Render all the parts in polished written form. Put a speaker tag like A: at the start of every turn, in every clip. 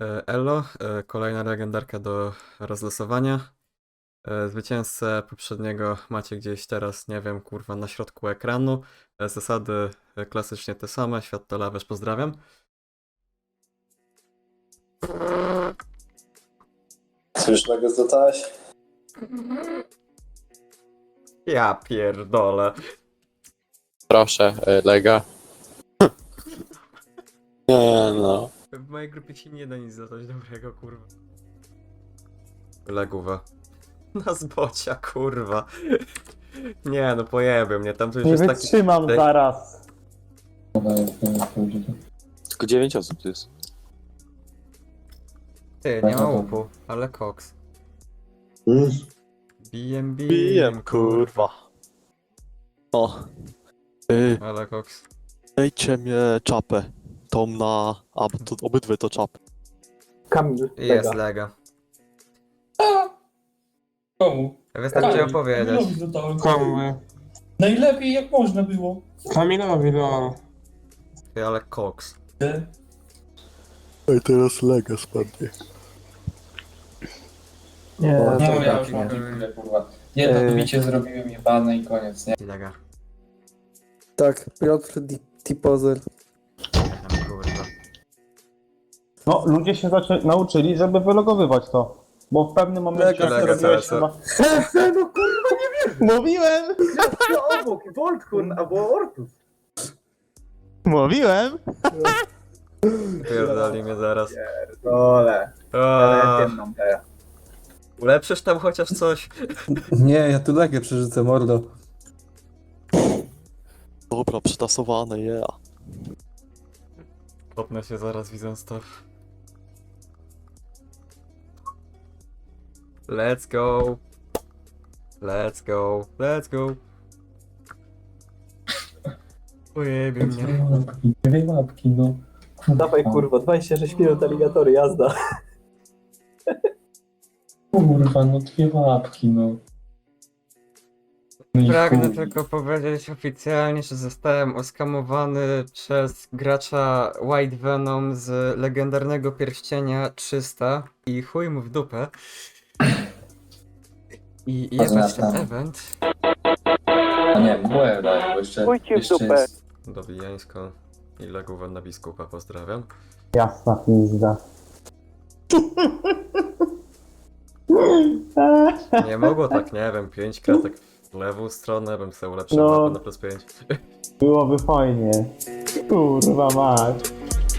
A: Elo, kolejna legendarka do rozlosowania. Zwycięzcę poprzedniego macie gdzieś teraz, nie wiem, kurwa, na środku ekranu. Zasady klasycznie te same. Świat to lawerz, pozdrawiam.
B: Słysznego zdotałeś?
A: Ja pierdolę.
C: Proszę, Lega. Nie no.
A: W mojej grupie ci nie da nic za coś dobrego, kurwa. Legówę. Na zbocia, kurwa. Nie no, pojebie mnie, tam to już
D: Nie
A: jest taki...
D: wytrzymam
A: Ej.
D: zaraz.
C: Tylko 9 osób tu jest.
A: Ty, nie ma łupu, ale koks. BMB.
C: O.
A: Ale koks.
C: Dajcie mnie czapę. Tą na... to obydwie to czapy.
D: Kamil,
A: Jest lega.
E: Komu?
A: Wystarczy
E: Kamilowi
A: opowiedzieć.
E: dodałem.
F: Komu?
E: Najlepiej jak można było.
F: Kamilowi, no.
A: Ty, ale koks.
C: Ej, teraz Lega spadnie.
D: Nie,
E: No
D: to
E: ja
D: tak
E: już mam
D: nie.
E: chwilę, kurwa. Jedno bicie zrobiłem jebane i koniec, nie?
A: Lega.
G: Tak, Piotr Tipozer.
A: Kurwa.
D: No, ludzie się nauczyli, żeby wylogowywać to. Bo w pewnym momencie
A: Lega,
D: jak robiłeś
A: CSR.
D: chyba...
G: No kurwa,
D: Mówiłem!
G: to obok, Voltkun albo Ortus.
D: Mówiłem!
A: Pierdoli mnie zaraz.
G: Dole,
A: Aaaa.
G: ciemną teraz.
A: Ulepszysz tam chociaż coś?
G: Nie, ja tu legę przerzucę, mordo.
C: Dobra, przetasowane, yeah.
A: Potnę się zaraz widząc to. Let's go. Let's go. Let's go. Ojebie mnie.
E: Dwie łapki, no.
G: Dawaj kurwa, 26 minut aligatory, jazda.
E: Kurwa, no dwie łapki, no. No i
A: Pragnę
E: chuj.
A: tylko powiedzieć oficjalnie, że zostałem oskamowany przez gracza White Venom z legendarnego pierścienia 300 i chuj mu w dupę. I jebać ten event.
E: A nie, byłem dalej, bo jeszcze...
D: Chuj ci w
E: jeszcze
D: dupę.
E: jest...
A: Dobijańsko i Legówę na biskupa, pozdrawiam.
D: Jasna pizda.
A: Nie mogło tak, nie wiem, 5 kratek w lewą stronę, bym sobie ulepszył
D: No.
A: mapę na plus 5.
D: Byłoby fajnie. Kurwa mać.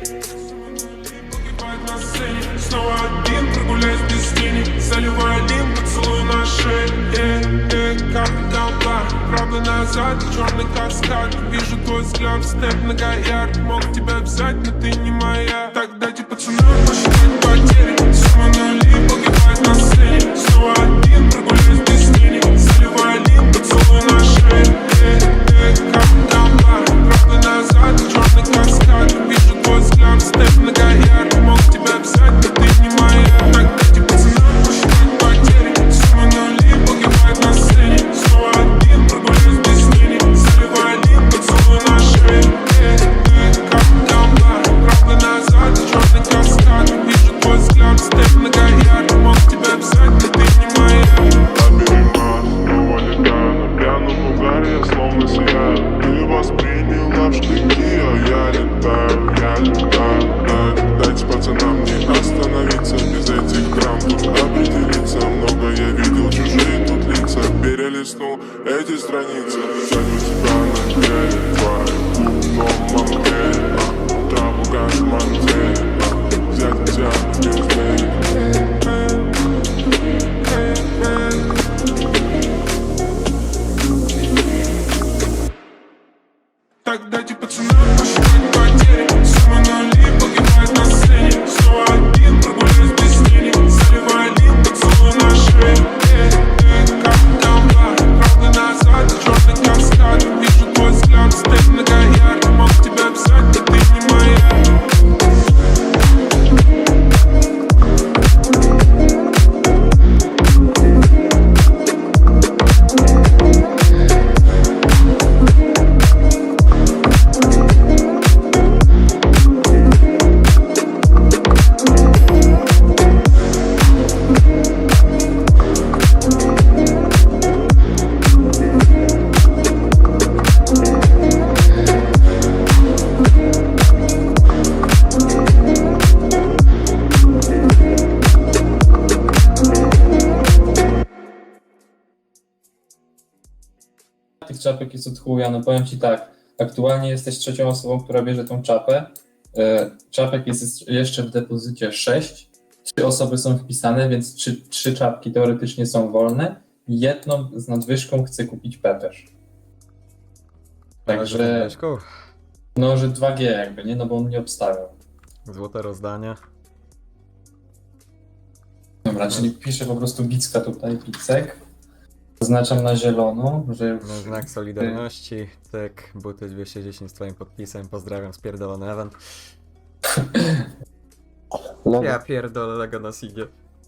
H: Снова один, прогуляюсь без тени. Заливаю один поцелуй на шее. Как толпа, правда назад, черный каскад. Вижу твой взгляд, снэп многоярд. Мог тебя взять, но ты не моя. Так дайте пацанам посчитать потери. Сумма нули, погибает на сцене. Снова один, прогуляюсь без тени. Заливаю один поцелуй на шее. Как толпа, правда назад, черный каскад. Вижу твой взгляд, снэп многоярд. Мог тебя взять, но ты не моя. Так дайте пацанам посчитать потери. Сумма нули, погибает на сцене. Снова один, прогуляюсь без тени. Заливаю один поцелуй на шее. Как толпа, правда назад,
E: tych czapek jest od chuja, no powiem ci tak, aktualnie jesteś trzecią osobą, która bierze tą czapę. Czapek jest jeszcze w depozycie 6. 3 osoby są wpisane, więc 3 czapki teoretycznie są wolne. Jedną z nadwyżką chce kupić Pepeż. Także,
A: Mieszku,
E: no, że 2G jakby, nie? No bo on nie obstawiał.
A: złote rozdanie.
E: Dobra, czyli piszę po prostu Bicka tutaj, Bicek. Zaznaczam na zielono, że już...
A: Na znak Solidarności, cyk, buty 210 z twoim podpisem, pozdrawiam, spierdolony event. Ja pierdolę, Lego nas idzie.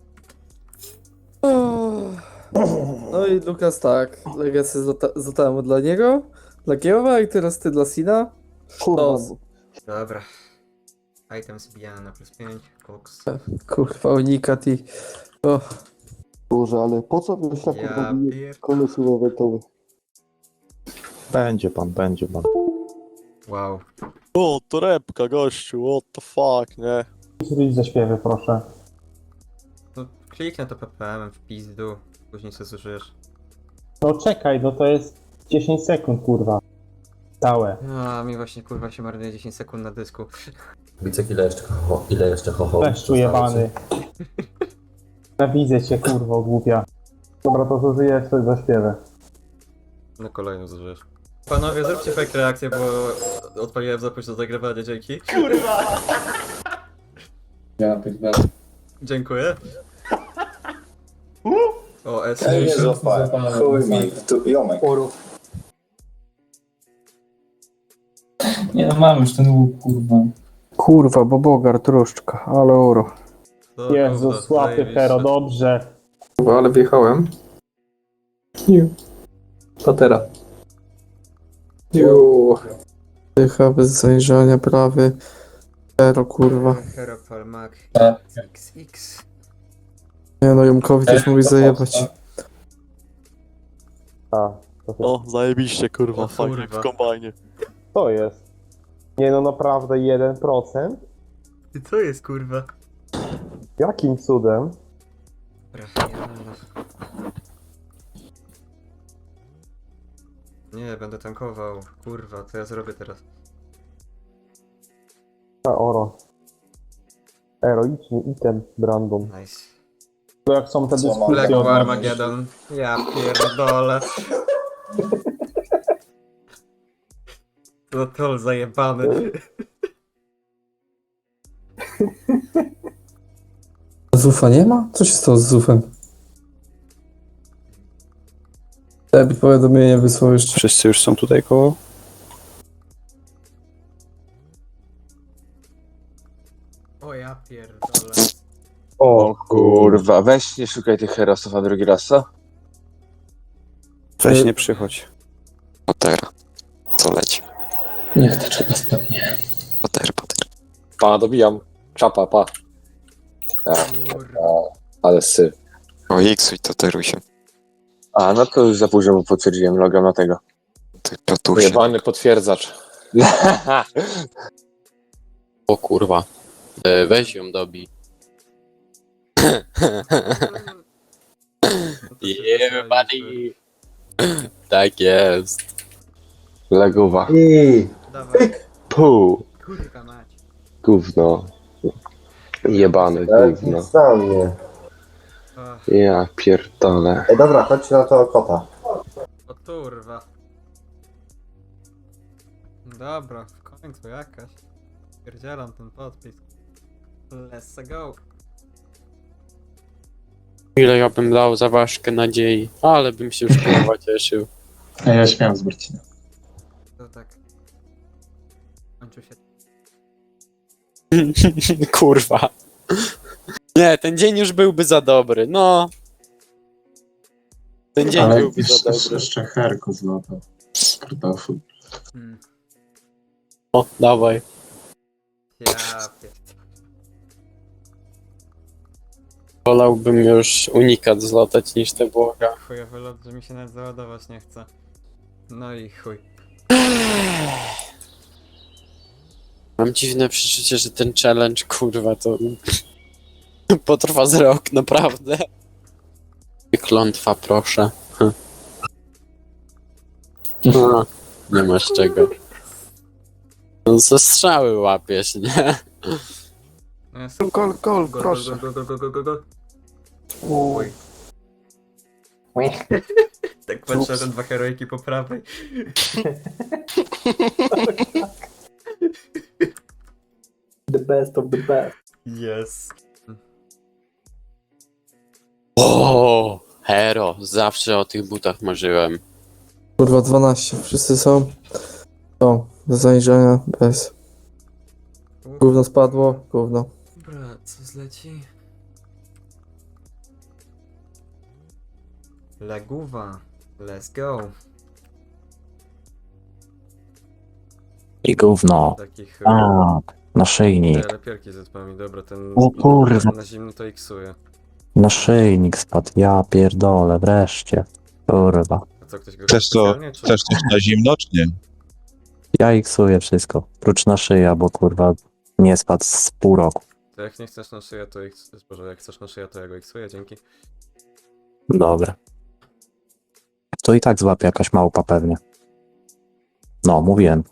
F: No i Lukas tak, Legacy zostałem dla niego, dla Kiełowa i teraz ty dla Sina. Sztos.
A: Dobra. Item zbijany na +5, koks.
F: Kurwa, unikat i... O,
C: Boże, ale po co myślę,
A: Ja
C: kurwa,
A: pier...
C: kolosy eventowe?
D: Będzie pan.
A: Wow.
C: O, torebka, gościu, what the fuck, nie?
D: Zrobić zaśpiewy, proszę.
A: No, kliknę to PPM w pizdu, później sobie zużyjesz.
D: No czekaj, no to jest 10 sekund, kurwa. Całe.
A: A mi właśnie kurwa się marnuje 10 sekund na dysku.
B: Bicek, ile jeszcze hoho?
D: Leszczu jebany. Nienawidzę cię, kurwo, głupia. Dobra, to zużyję sobie zaśpiewę.
A: No kolejną zużyjesz. Panowie, zróbcie fake reakcję, bo odpaliłem zapowiedź do zagrywania, dzięki.
E: Ja pierdolę.
A: Dziękuję. O, S.
B: Ej, nie złapałem.
E: Zapalę,
B: Chuj mi,
E: zapalę.
B: tu jomek.
E: Nie no, mam już ten łuk, kurwa.
F: kurwa, bo Bogart, troszczka, ale oro.
A: To
D: Jezu,
A: gówno,
D: słaby
A: zajebiście.
D: Hero, dobrze.
G: Kurwa, ale wjechałem. Ju. Patera. Ju.
F: Dycha bez zajrzenia, prawy. Zero, kurwa.
A: Hero Palmak
E: Tak.
A: XX.
F: Nie no, Jomkowi też mówi zajebać.
D: A, to,
C: O, zajebiście, kurwa,
A: O,
C: fajnie w
A: kurwa.
C: kombajnie.
D: to jest. Nie no, naprawdę 1%?
A: I co jest kurwa?
D: Jakim cudem?
A: Dobra, nie, będę tankował. Kurwa, co ja zrobię teraz?
D: A, oro. Heroiczny item, Brandon.
A: Nice.
D: To jak są te
B: Co mam?
D: dyskusje
A: Black
D: od
A: Armageddon. Ja pierdolę. To troll zajebany.
F: Zufa nie ma? Co się stało z Zufem? Debil powiadomienie wysłał jeszcze.
I: Wszyscy już są tutaj koło?
A: O ja pierdolę.
I: O kurwa, weź nie szukaj tych herosów, a drugi raz co? Weź nie przychodź.
J: Patera. Co leci?
E: Niech ta czapa spadnie.
J: Pater.
I: Pa, dobijam. Czapa, pa.
A: Kurwa.
I: Ale syf.
J: O, iksuj, to teruj się.
I: A, no to już za późno mu potwierdziłem loga na tego.
J: Ty platusie.
I: Ujebany potwierdzacz.
J: O kurwa. Weź ją dobij. Yeah, buddy. Tak jest.
I: Legowa.
A: Dawaj.
I: Puu.
A: Kurwa mać.
I: Gówno. Jebane gówno.
B: Za mnie.
A: Ach,
I: Ja pierdolę.
B: Ej, dobra, chodźcie na tego kota.
A: o kurwa. Dobra, w końcu jakaś. Pierdzielam ten podpis. Let's go.
J: Ile ja bym dał za ważkę nadziei, ale bym się już kurwa cieszył.
E: A ja śmiałem z Marcina.
A: To tak. Kończył się.
J: Kurwa. Nie, ten dzień już byłby za dobry, no. Ten dzień byłby za dobry.
E: Jeszcze herko złapał. Kartofel.
A: Hmm.
J: O, dawaj.
A: Ja pierdolę.
J: Wolałbym już unikat zlatać niż te błoga.
A: Chujowy lot, że mi się nawet załadować nie chce. No i chuj.
J: Mam dziwne przeczucie, że ten challenge, kurwa, to potrwa z rok, naprawdę. Klątwa, proszę. A, nie masz czego. No ze strzały łapiesz, nie?
A: No jest...
F: Gol,
A: Gol,
F: proszę.
A: gol. Oj. Tak patrzę, że 2 heroiki po prawej.
G: The best of the best.
A: Yes.
J: O, hero, zawsze o tych butach marzyłem.
F: Kurwa, 12. Wszyscy są. O, do zajrzenia, bez. Gówno spadło, gówno.
A: Dobra, co zleci? Leguwa. Let's go.
K: I gówno.
A: Takich
K: Tak, naszyjnik.
A: lepiarki z etpami. Dobra, ten
K: O kurwa.
A: na zimno to iksuje.
K: Naszyjnik spadł, ja pierdolę, wreszcie. Kurwa.
A: A co, ktoś go
I: Chcesz to,
A: specjalnie, czy-
I: chcesz coś na zimno, czy nie?
K: Ja iksuję wszystko. Prócz na szyja, bo kurwa nie spadł z pół roku.
A: To jak nie chcesz na szyję, to Boże, jak chcesz na szyję, to ja go iksuję, dzięki.
K: Dobra. To i tak złapie jakaś małpa pewnie. No, mówiłem.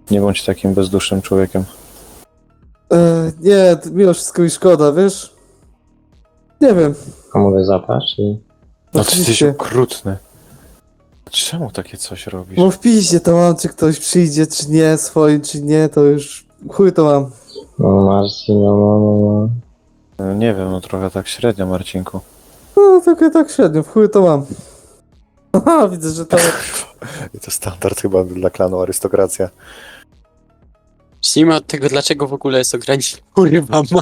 L: Nie bądź takim bezdusznym człowiekiem.
F: Nie, mimo wszystko mi szkoda, wiesz? Nie wiem.
B: A mogę zapaść? Czy...
L: No ty jesteś
F: Oczywiście.
L: okrutny. Czemu takie coś robisz?
F: No w piździe to mam, czy ktoś przyjdzie, czy nie, swoim, czy nie, to już chuj to mam.
B: No Marcin, no.
L: No, nie wiem, no trochę tak średnio, Marcinku.
F: No tylko tak średnio, w chuj to mam. Aha, widzę, że to...
L: I to standard chyba dla klanu arystokracja.
J: Zacznijmy od tego, dlaczego w ogóle jest ograniczony. Kurwa, ma.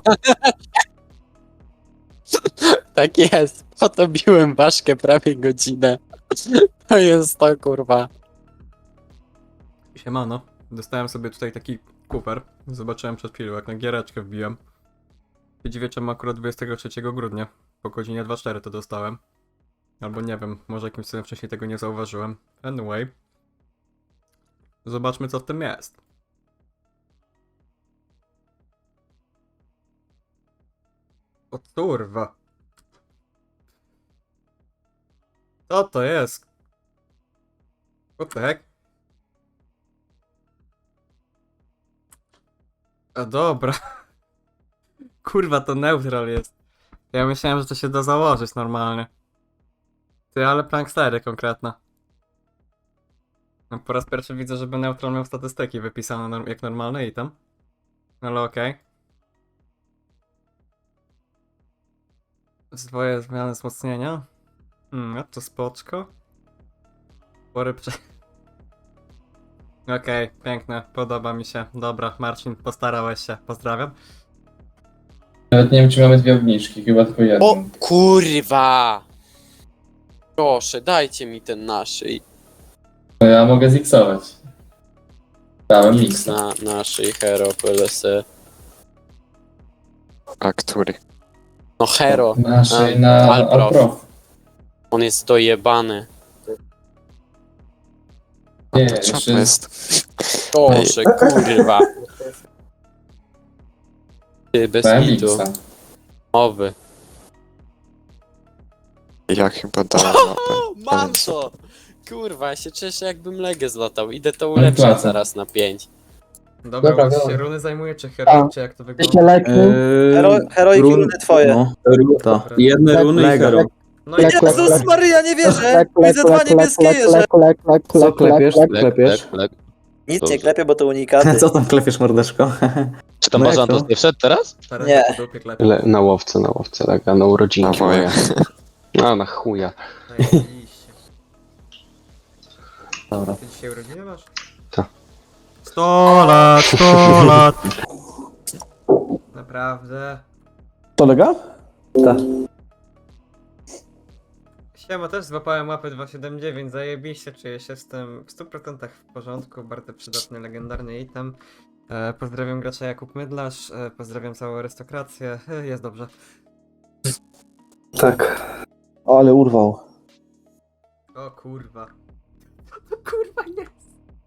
J: Tak jest. Po to biłem ważkę prawie godzinę. To jest to, kurwa.
A: Siemano. Dostałem sobie tutaj taki kuper. Zobaczyłem przed chwilą, jak na giereczkę wbiłem. Nie dziwię, czemu akurat 23 grudnia. Po godzinie 24 to dostałem. Albo nie wiem, może jakimś cudem wcześniej tego nie zauważyłem. Anyway. Zobaczmy, co w tym jest. O kurwa. Co to jest? What the heck? A dobra. Kurwa, to neutral jest. Ja myślałem, że to się da założyć normalnie. Ty, ale prankstery konkretne. No, po raz pierwszy widzę, żeby neutral miał statystyki wypisane jak normalny item. Ale okej. Zdwoje zmiany wzmocnienia. No to spoczko. Spory Okej, piękne, podoba mi się. Dobra, Marcin, postarałeś się, pozdrawiam.
E: Nawet nie wiem, czy mamy dwie obniżki, chyba tylko jedną.
J: O kurwa! Proszę, dajcie mi ten naszyj.
E: No ja mogę ziksować. Dałem
J: X
E: miksa.
J: na naszyj hero PLS.
C: A który?
J: No hero.
E: Naszej na
J: Alprof.
E: Alprof.
J: On jest dojebany.
E: Nie,
C: To
E: jeszcze
C: czapa jest.
J: Proszę, kurwa. Ty, bez
E: dałem
J: hitu.
E: miksa.
J: Owy.
C: Ja chyba dałem
J: O,
C: mapę.
J: mam to! Kurwa, ja się cieszę, jakbym legę zlatał. Idę to ulepszyć
E: Placa.
J: zaraz na 5.
A: Dobra,
B: Dobra,
A: on się
B: dobra.
A: runy zajmuje, czy hero, czy jak to wygląda?
G: Heroiki runy twoje.
A: Dobra.
D: Jedne runy i hero.
A: No i
G: Jezus Maryja, nie wierzę! Widzę dwa niebieskie jeże!
K: Co klepiesz? Klepiesz?
G: Nic nie klepię, bo to unikat.
K: Co tam klepiesz, mordeczko?
I: Czy tam
K: No jak
I: Bazantos
K: to?
I: nie wszedł teraz?
A: teraz
G: Nie.
A: po dupie klepie.
I: Na łowce, lega, na urodzinki
C: Dawaj.
I: moje. A, na chuja.
A: Zajebiście.
K: Dobra.
A: Ty dzisiaj urodziny masz?
I: Co?
A: 100 lat, 100 lat! Naprawdę?
D: To lega?
A: Siema, też złapałem łapę 279, zajebiście, czuję się z tym w 100% w porządku, bardzo przydatny, legendarny item. Pozdrawiam gracza Jakub Mydlarz, pozdrawiam całą arystokrację, jest dobrze.
D: Tak. Ale urwał.
A: O kurwa. To kurwa jest.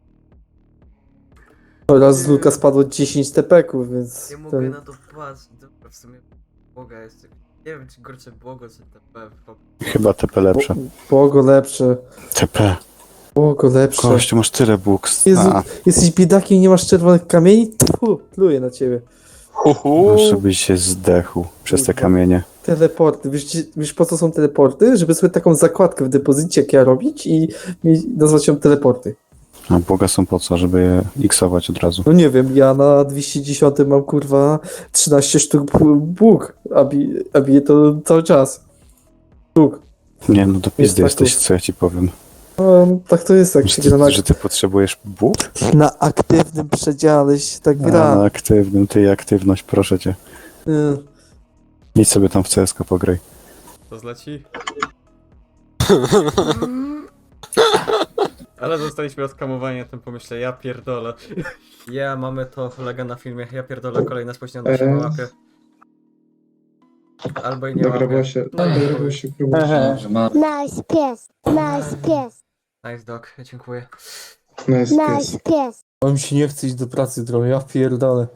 F: Oraz z Luka spadło 10 TP-ków, więc...
A: Nie mogę na to patrzeć, dobra, w sumie Boga jest. Nie wiem, czy gorsze błogo, czy TP.
L: Chyba TP lepsze.
F: Błogo lepsze.
L: TP.
F: Błogo lepsze.
L: Kość, masz tyle books.
F: Jezu, jesteś biedakiem i nie masz czerwonych kamieni? Tfu, pluję na ciebie.
L: Żebyś się zdechł przez te
F: Kurwa.
L: kamienie.
F: Teleporty. Wiesz po co są teleporty? Żeby sobie taką zakładkę w depozycie jak ja robić i nazwać ją teleporty.
L: A Boga są po co? Żeby je iksować od razu.
F: No nie wiem, ja na 210 mam kurwa 13 sztuk bóg, a bije to cały czas. Sztuk.
L: Nie, no to pizdy
F: tak
L: jesteś, co ja ci powiem.
F: No, tak to jest, jak się gra na,
L: Że ty potrzebujesz bóg?
F: na aktywnym przedziale się tak gra.
L: A, aktywnym, ty i aktywność, proszę cię. Idź sobie tam w CS:GO pograj.
A: To zleci? Ale zostaliśmy oskamowani na tym pomyśle, ja pierdolę. Ja, mamy to lega na filmie, ja pierdolę, kolejna spóźniona się łapie. Albo i nie łapie. No i chuj.
E: Że ma
M: Nice pies, nice pies,
A: Nice dog, dziękuję.
M: nice pies.
F: On mi się nie chce iść do pracy trochę, ja pierdolę.